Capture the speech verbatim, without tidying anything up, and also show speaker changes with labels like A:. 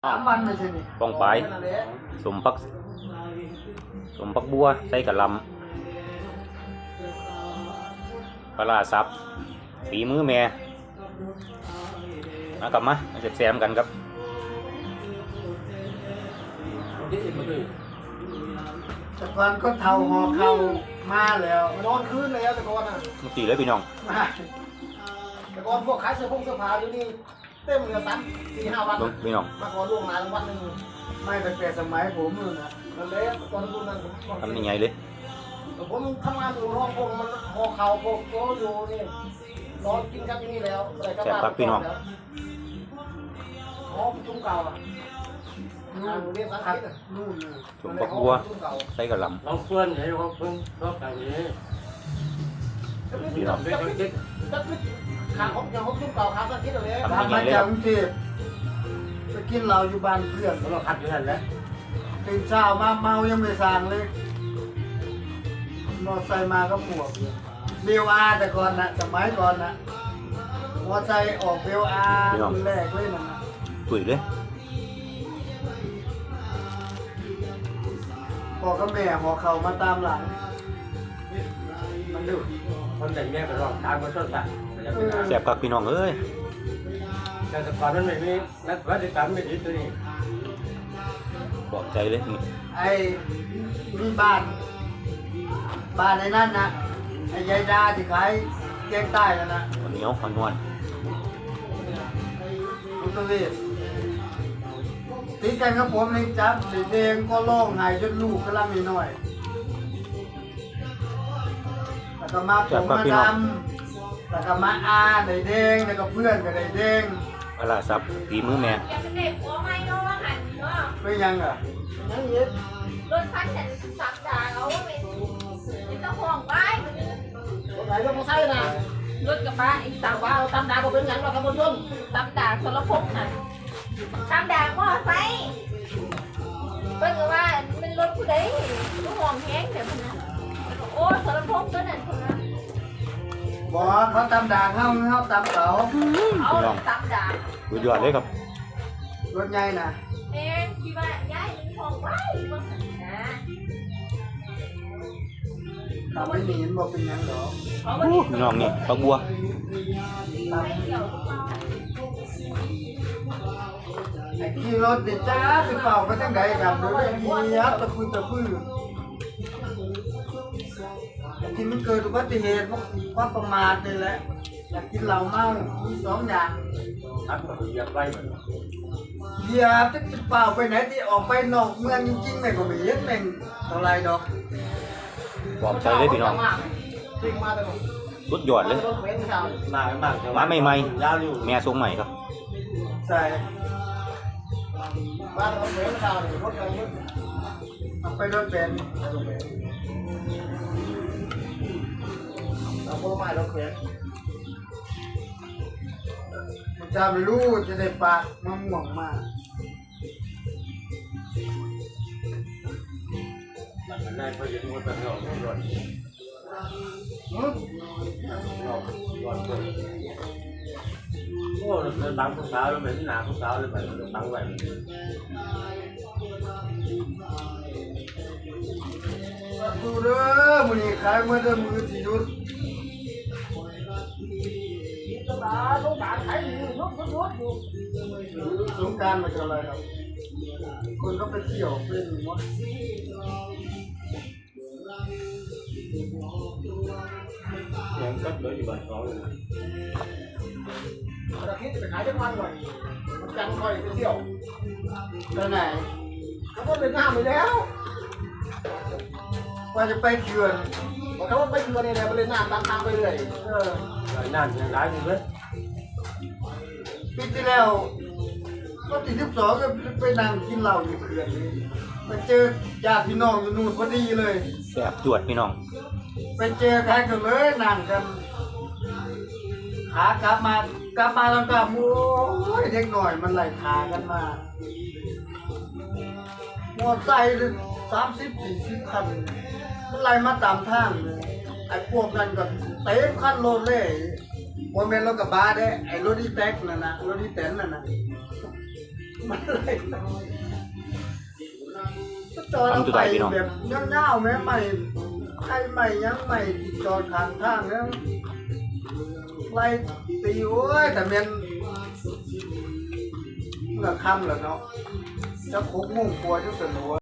A: สามวันไม่ใช่นี่
B: ป้องปลายสมปักสมปักบัวใส่กะหล่ำปลาซับฝีมือแม่มากลับมามาแซมกันครับ
A: แต่ก่อนก็เท่าหอเข่ามาแล้วนอนคืนแล้วแต่ก่อนอ่ะ
B: มุตีเลยพี่น้อง
A: มาแต่ก่อนพวกขายเสื้อผงเสื้อผ้าอยู่นี่เต็มเลยสามสี่ห้าวัน
B: พี่น้อง
A: มาขอล่วงงานวันหนึ่งไม่ตั้งแต่สมัยผมเลยนะนั่นแหละตอนรุ่นนั้นผม
B: ทำยังไงเลย
A: ผมทำงานอยู่ห้องพวกมันหอเข่าพวกโตอยู่นี่นอนกินกันที่นี่แล้วอะไรก็บ้า
B: พี่น้อง
A: หอชุ่มเก่าอ่ะเรียนสังเกตนู่น
B: สมปักบัวใส่กะหล่ำ
C: เราเพื่อนให้เราเพื่อนชอบกันนี้
B: พี่น้อง
A: ขาของอย่างของชุ่มเก่าขาสังเกตเลย
B: ทำยังไงเลย
A: จากกรุงเทพไปกินเราอยู่บ้านเพื่อน
C: เราขัดอยู่นั่นแหละ
A: ตื่นเช้ามาเมายังไม่สั่งเลยมอไซค์มาก็ปวดเบลอาแต่ก่อนนะสมัยก่อนนะมอไซค์ออกเบลอารุ่นแรกเลยนะ
B: ตุ๋ยเลย
A: บอกกับแม่หอเข่ามาตามหลังมันดุ
C: คนแต่งแม่ก็ร้องตามมาชดสัตว์
B: แซ่บกับพี่น้องเอ้ย
C: แต่สก่อนมันไม่มีนักวัฒกรรมไม่ดีตัวนี้
B: บอกใจเลยนี่
A: ไอ้มีบ้านบ้านในนั้นนะไอ้ยายดาที่ขายแกงใต้แล้วนะ
B: เหนียวหวานหวาน
A: ลุงตะวีตีกันกับผมนี่จับเด็กก็ร้องไห้จนลูกกำลังน้อยแล้วก็มาผมมาดำแล้วก็มาอาเด็กเด้งแล้วก็เพื่อนกับเด็กเด้ง
B: ปลาซับฝีมือแม่
A: เป็นยังอ่ะยังเย็ด
D: รถคันฉันสักดาเอาเป็นเป็นตะห่วงไว้
A: รถไหนรถมอไซค์นะ
D: รถกระบะอีกสามว่าตำดาบอกเป็นยังเราขับบนยนต์ตำดาสารพงษ์น่ะตำดามอไซค์เป็นว่าเป็นรถผู้ใดรถห่วงแห้งเดี๋ยวมันนะโอ้สารพงษ์ตัวนั้นคนนั้น
A: บอกเขาตำดาเข้าเข้าตำเสา
D: เอาตำดา
B: สุดยอดเลยครับ
A: รถใหญ่นะ
D: เอ๊ะคิดว่าย้ายเป็นห่วงไว้บ้างนะ
A: ตำไม่หนีบอกเป็นยังหรอ
B: พี่น้องนี่ปักบัว
A: ไอ้ขี่รถดิจ้าสิเป่าไปตั้งใดกันโดยมียัดตะพื้นตะพื้นที่มันเกิดอุบัติเหตุเพราะประมาทนี่แหละอยากกินเหล้าเมามีสองอย่าง
C: ทักมาเหยียบไว้
A: เหยียบจะกินเปล่าไปไหนที่ออกไปนอกเมืองจริงๆแม่ก็ไม่เห็นแม่งเท่าไรดอก
B: บอกใจเลยพี่น้องสุดยอดเลย
C: มาไม่มาก
B: มาใหม่ๆแม่ทรงใหม่ครับ
A: ใช่บ้านรถเบนซ์เรารถอะไรเอาไปรถเบนซ์เอาพวกไม้รถเบนซ์มันจะไม่รู้จะได้ปากมะม่วงมา
C: มันได้พอเย็นมันเป็นหลอดหลอดหลอดหลอดเลยโอ้เราตั้งผู้สาวเราเหม็นหนาผู้สาวเลยแบบเราตั้งไว้
A: ดูเด้อมือนี้ขายเมื่อเดือนมือสี่ยุดสงการขายอยู่ยุดยุดอยู่สงการมันจะอะไรครับคนก็ไปเที่ยวเป็นหมด
C: ยังก็เหลืออยู่บ้านเขาเลย
A: อาทิตย์ไปขายทุกวันก่อนจังคอยไปเที่ยวไปไหนเขาก็เป็นหน้าไปแล้วว่าจะไปเขื่อนบอกเขาว่าไปเขื่อนนี่แหละไปเล่นน้ำตามทางไปเรื่อยเออ
C: นั่นยังร้ายอยู่เลย
A: ปีที่แล้วก็ตีสิบสองก็ไปนั่งกินเหล้าอยู่เขื่อนไปเจอญาติพี่น้องอยู่นู่นพอดีเลย
B: แซ่บจวดพี่น้อง
A: ไปเจอใครกันเลยนั่งกันขากลับมากลับมาแล้วก็โอ้ยเด็กหน่อยมันไหลขากันมาหมดใจเลยสามสิบสี่สิบคันมันไหลมาตามทางไอ้พวกนั้นก็เต็มคันโลดเลยโมเมนต์รถกระบะได้ไอ้รถดีแท็กนั่นนะรถดีแตนนั่นนะมันเลยก็จอดเอาไปแบบเงาๆแม่ใหม่ใครใหม่ยังใหม่จอดข้างทางแล้วไล่ตีโอ้ยแต่เมียนเมื่อค่ำแล้วเนาะจะคุกมุ่งครัวจะสนุก